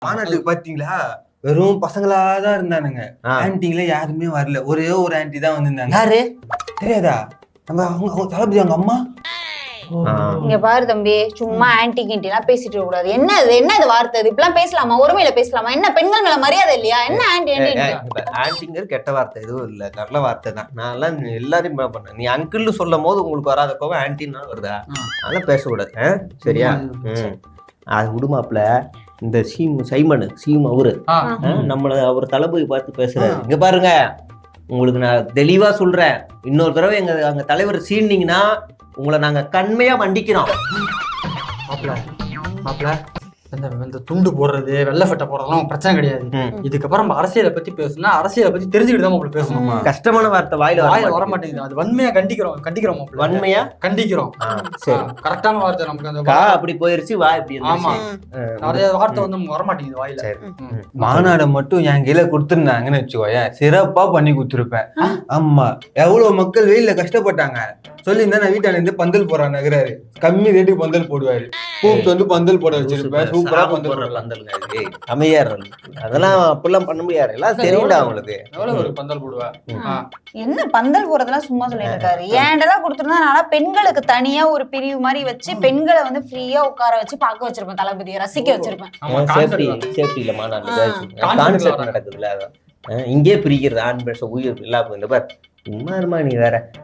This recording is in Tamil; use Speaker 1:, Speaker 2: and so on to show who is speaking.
Speaker 1: மாநாட்டுக்கு பாத்தீங்களா வெறும் பசங்களாதான் இருந்தானுங்க. ஆன்டிங்கள யாருமே வரல. ஒரே ஒரு ஆன்டி தான் வந்திருந்தாங்க.
Speaker 2: யாரு
Speaker 1: தெரியாதா? நம்ம அவங்க தளபதி அவங்க அம்மா.
Speaker 3: இங்க பாரு தம்பி, சும்மா ஆன்டி கிண்டிலாம் பேசிட்டு இருக்க கூடாது. என்ன இது வார்த்தை? இப்பெல்லாம் பேசலாமா? ஒருமையில பேசலாமா? என்ன பெண்கள் மேல மரியாதை இல்லையா? என்ன ஆன்டி
Speaker 2: ஆன்டிங்கிற கெட்ட வார்த்தை எதுவும் இல்ல, நல்ல வார்த்தை தான். நான் எல்லாம் எல்லாரையும் பண்ணேன். நீ அங்கிள்னு சொல்லும் போது உங்களுக்கு வராத கோவம் ஆன்டின்னா வருதா? அதெல்லாம் பேசக்கூடாது. சரியா? அது விடுமாப்ல. இந்த சைமன் அவரு நம்மள அவர் தளபதி பார்த்து பேசுறாரு. இங்க பாருங்க, உங்களுக்கு நான் தெளிவா சொல்றேன், இன்னொரு தடவை அங்க தலைவர் சீனிங்கன்னா உங்களை நாங்க கண்மையா மண்டிக்கிறோம்.
Speaker 4: இந்த துண்டு போடுறது, வெள்ளை சட்டை போடுறதுலாம் பிரச்சனை கிடையாது. இதுக்கப்புறம் நம்ம அரசியலை பத்தி பேசணும்னா அரசியலை பத்தி தெரிஞ்சுக்கிட்டு தான் உங்களுக்கு பேசணும்.
Speaker 2: கஷ்டமான வார்த்தை வாயில
Speaker 4: வர மாட்டேங்குது. அது வன்மையா கண்டிக்கிறோம்.
Speaker 2: வன்மையா
Speaker 4: கண்டிக்கிறோம்.
Speaker 2: சரி,
Speaker 4: கரெக்டான வார்த்தை நமக்கு அந்த
Speaker 2: அப்படி போயிருச்சு. வா இப்படி
Speaker 4: ஆமா, நிறைய வார்த்தை வந்து நமக்கு வர மாட்டேங்குது வாயில.
Speaker 1: மாநாடு மட்டும் என் கையில கொடுத்துருந்தாங்கன்னு வச்சுக்கோயேன், சிறப்பா பண்ணி கொடுத்துருப்பேன். ஆமா, எவ்வளவு மக்கள் வெயில கஷ்டப்பட்டாங்க. சொல்லியிருந்தா நான் வீட்டால இருந்து பந்தல் போறான் நகராரு, கம்மி ரேட்டுக்கு பந்தல் போடுவாரு. கூப்பிட்டு வந்து பந்தல் போட வச்சிருப்பேன். சூப்பரா பந்தல்
Speaker 2: அதெல்லாம் அப்படிலாம் பண்ண முடியாது. எல்லாம் தெரியல அவங்களுக்கு.
Speaker 4: எவ்வளவு ஒரு பந்தல் போடுவா?
Speaker 3: என்ன பந்தல் போறதெல்லாம் சும்மா சொல்லிட்டு இருக்காரு. ஏன்டெல்லாம் கொடுத்துருந்தா பெண்களுக்கு தனியா ஒரு பிரிவு மாதிரி வச்சு பெண்களை வந்து ஃப்ரீயா உட்கார வச்சு பார்க்க வச்சிருப்பேன், தளபதியை ரசிக்க வச்சிருப்பேன்.
Speaker 2: சேஃப்டில மாநாடு நடக்குதுல, இங்கே பிரிக்கிறது ஆண் பெண் உயிர் இல்லாம. சும்மா இருமா நீ வேற.